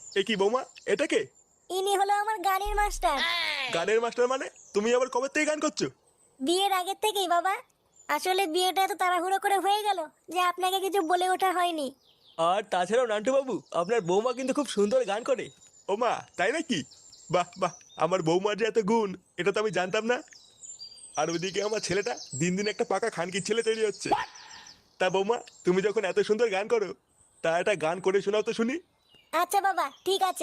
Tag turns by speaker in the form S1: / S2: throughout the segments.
S1: এ কি বৌমা, এটা কে?
S2: ইনি হলো আমার গানের মাস্টার।
S1: গানের মাস্টার মানে? তুমি আবার কবে থেকে গান করছো?
S2: বিয়ের আগের থেকেই বাবা। আসলে বিয়েটা এত তাড়াহুড়ো করে হয়ে গেল যে আপনাকে কিছু বলে ওঠা হয়নি।
S3: আর তাছাড়াও নান্টু বাবু, আপনার বৌমা কিন্তু খুব সুন্দর গান করে।
S1: ও মা, তাই নাকি? বাহ বাহ, আমার বৌমার যে এত গুণ, এটা তো আমি জানতাম না। আর ওইদিকে আমার ছেলেটা দিন দিন একটা পাকা খানকির ছেলে তৈরি হচ্ছে। তা বৌমা, তুমি যখন এত সুন্দর গান করো, তা একটা গান করে শোনাও তো শুনি।
S2: আচ্ছা বাবা, ঠিক আছে।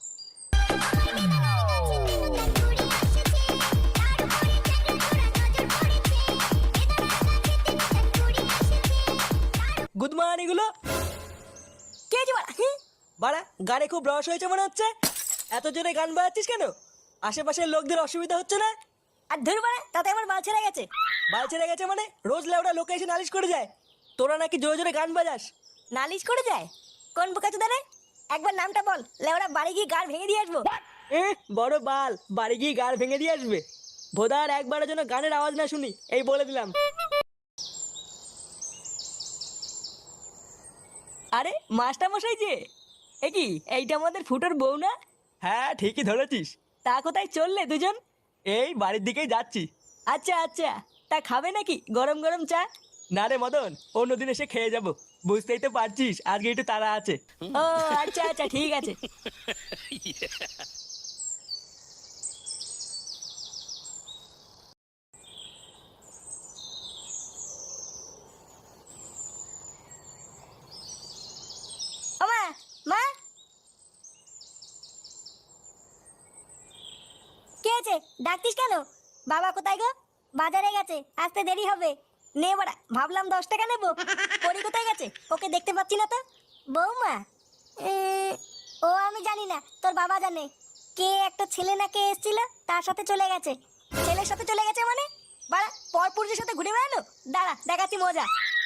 S3: গুড মর্নিং এগুলো।
S2: কে যে বাড়া?
S3: বাড়া, গানে খুব রস হয়েছে মনে হচ্ছে। এত জোরে গান বাজাচ্ছিস কেন? আশেপাশের লোকদের অসুবিধা হচ্ছে না?
S2: আর ধর বাড়া, তাতে আমার বাল ছেড়ে গেছে।
S3: বাল ছেড়ে গেছে মানে? রোজ লেউড়া লোকে এসে নালিশ করে যায় তোরা নাকি জোরে জোরে গান বাজাস।
S2: নালিশ করে যায়? কোন বোকাচোদা রে? একবার নামটা বল, লেওড়া বাড়ি গিয়ে গাড় ভেঙে দিয়ে আসবো।
S3: বড় বাল, বাড়ি গিয়ে গাড় ভেঙে দিয়ে আসবে। ভোদার একবারের জন্য গানের আওয়াজ না শুনি, এই বলে দিলাম। আরে মাস্টার মশাই যে, এ কি এইটা আমাদের ফুটোর বউ না? হ্যাঁ ঠিকই ধরেছিস। তা কোথায় চললে দুজন? এই বাড়ির দিকেই যাচ্ছি। আচ্ছা আচ্ছা, তা খাবে নাকি গরম গরম চা? না রে মদন, অন্যদিন এসে খেয়ে যাব। বুঝতেই তো পারছিস আজকে একটু তাড়া আছে। ও আচ্ছা আচ্ছা, ঠিক আছে।
S2: ও মা, মা, কে আছে? ডাকতিস কেন? বাবা কোথায় গো? বাজারে গেছে, আসতে দেরি হবে। নে বাড়া, ভাবলাম 10 টাকা নেবো। পরি কোথায় গেছে? ওকে দেখতে পাচ্ছি না তো। বৌমা? ও আমি জানি না, তোর বাবা জানে। কে একটা ছেলে না কে এসেছিল, তার সাথে চলে গেছে। ছেলের সাথে চলে গেছে মানে? বাড়া, পরপুরুষের সাথে ঘুরে বেড়ালো। দাঁড়া, দেখাচ্ছি মজা।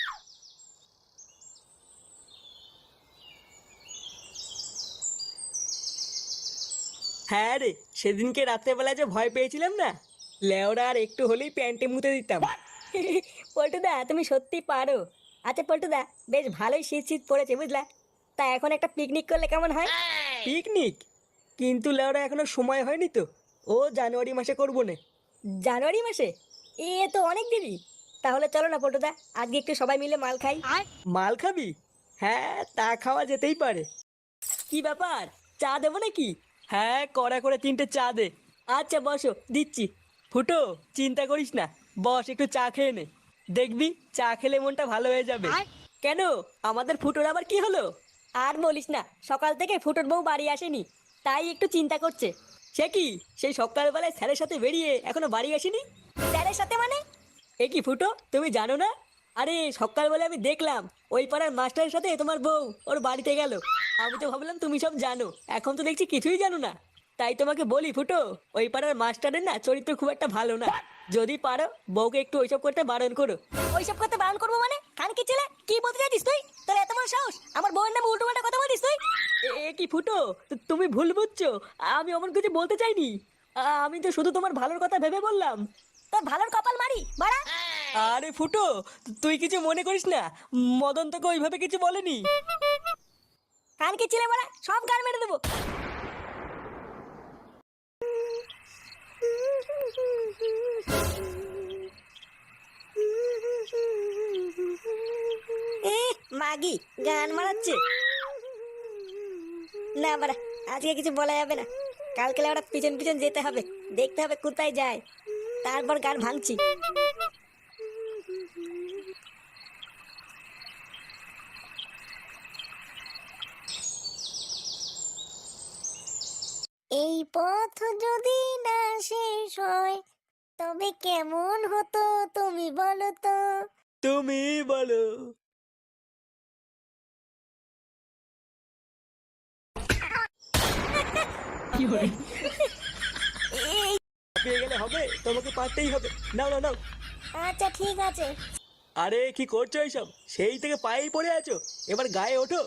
S3: হ্যাঁ রে, সেদিনকে রাত্রেবেলা যে ভয় পেয়েছিলাম না, লেওরা আর একটু হলেই প্যান্টে মুতে দিতাম।
S2: পল্টুদা, তুমি সত্যি পারো। আচ্ছা পল্টুদা, বেশ ভালোই শীত শীত পড়েছে বুঝলা। তা এখন একটা পিকনিক করলে কেমন হয়?
S3: পিকনিক? কিন্তু লেওরা এখনো সময় হয়নি তো। ও জানুয়ারি মাসে করবো না।
S2: জানুয়ারি মাসে? এ তো অনেক দেরি। তাহলে চলো না পল্টুদা, আজকে একটু সবাই মিলে মাল খাই।
S3: মাল খাবি? হ্যাঁ তা খাওয়া যেতেই পারে। কি ব্যাপার, চা দেবো নাকি? হ্যাঁ, কড়া করে 3টে চা দে। আচ্ছা বসো, দিচ্ছি। ফুটো, চিন্তা করিস না, বস একটু চা খেয়ে নে। দেখবি চা খেলে মনটা ভালো হয়ে যাবে। কেন, আমাদের ফুটোর আবার কি হলো?
S2: আর বলিস না, সকাল থেকে ফুটোর বউ বাড়ি আসেনি, তাই একটু চিন্তা করছে।
S3: সে কি, সেই সকালবেলায় স্যারের সাথে বেরিয়ে এখনো বাড়ি আসেনি?
S2: স্যারের সাথে মানে?
S3: এ কি ফুটো, তুমি জানো না? আরে সকালবেলা আমি দেখলাম ওই পাড়ার মাস্টারের সাথে তোমার বউ ওর বাড়িতে গেল। আমি তো ভাবলাম তুমি সব জানো, এখন তো দেখছি কিছুই জানো না। তাই তোমাকে বলি ফুটো, ওই পাড়ার মাস্টারের না চরিত্র খুব একটা ভালো না। যদি পারো বউকে একটু ওইসব করতে বারণ করো।
S2: ওইসব করতে বারণ করবো মানে? খান কি ছেলে, কি বলতে চাইছিস তুই? তোর এত বড় সাহস, আমার বউয়ের নামে উল্টো পাল্টা কথা বলিস তুই?
S3: এ কি ফুটো, তুমি ভুল বুঝছো। আমি অমন কিছু বলতে চাইনি। আমি তো শুধু তোমার ভালোর কথা ভেবে বললাম।
S2: তোর ভালোর কপাল মারি বাড়া।
S3: আরে ফুটো, তুই কিছু মনে করিস না, মদন তোকে ওইভাবে কিছু বলেনি।
S2: খান কি ছেলে বাড়া, সব গান মেরে দেবো। মাগি গান মারাচ্ছে না বাড়া। আজকে কিছু বলা যাবে না, কালকে ওরা পিছন পিছন যেতে হবে, দেখতে হবে কোথায় যায়, তারপর গান ভাঙছি। এই পথ যদি না শেষ হয়, তবে কেমন হতো তুমি বলো তো?
S3: তুমি বলো। পেয়ে গেলে হবে, তোমাকে পারতেই হবে। নাও নাও নাও।
S2: আচ্ছা ঠিক আছে।
S3: আরে কি করছো এইসব, সেই থেকে পায়েই পড়ে আছো, এবার গায়ে ওঠো।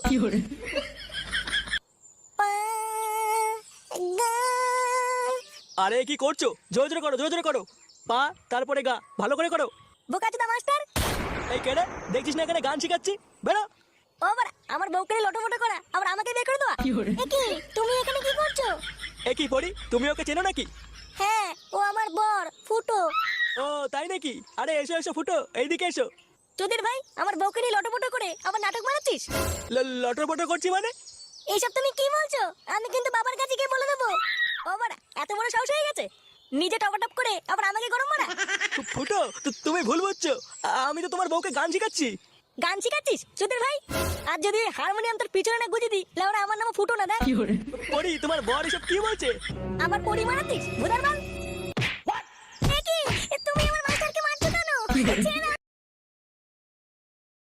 S2: পা, গা।
S3: আরে কি করছো, জোরে জোরে করো, জোরে জোরে করো। পা, তারপরে গা, ভালো করে করো।
S2: বোকাচোদা মাস্টার।
S3: এই কেডা, দেখছিস না এখানে গান শিখাচ্ছি? বেরো।
S2: ও বাড়া, আমার বউকে নিয়ে লটোফটো করা আবার আমাকে বের করে দেওয়া। এ কি, তুমি এখানে কি করছো?
S3: এ কি পড়ি, তুমি ওকে চেনো নাকি?
S2: হ্যাঁ, ও আমার বর ফুটো।
S3: ও তাই নাকি? আরে এসো এসো ফুটো, এইদিকে এসো।
S2: তোদের ভাই আমার বউকে নিয়ে লটোফটো করে আবার নাটক বানাচ্ছিস?
S3: লটর পটর করছি মানে?
S2: এইসব তুমি কি বলছো? আমি কিন্তু বাবার কাছে গিয়ে বলে দেবো। ও বাড়া, এত বড় সাহস হয়ে গেছে নিজে টপাটপ করে আবার আমাকে গরম মারা।
S3: ফুটো, তুমি ভুল বুঝছো। আমি তো তোমার বউকে গান শিখাচ্ছি।
S2: গান শিখাচ্ছিস তোদের ভাই? আর যদি ওই হারমোনিয়াম তোর পিছনে না গুজে দিই, লেওরা আমার নাম ফুটো না দেখ।
S3: পড়ি, তোমার বর এসব কি বলছে?
S2: আমার পরি মারাতিস ভুদার বাল। এ কি, তুমি আমার মাস্টারকে মারছো কেন? ছেড়ে দাও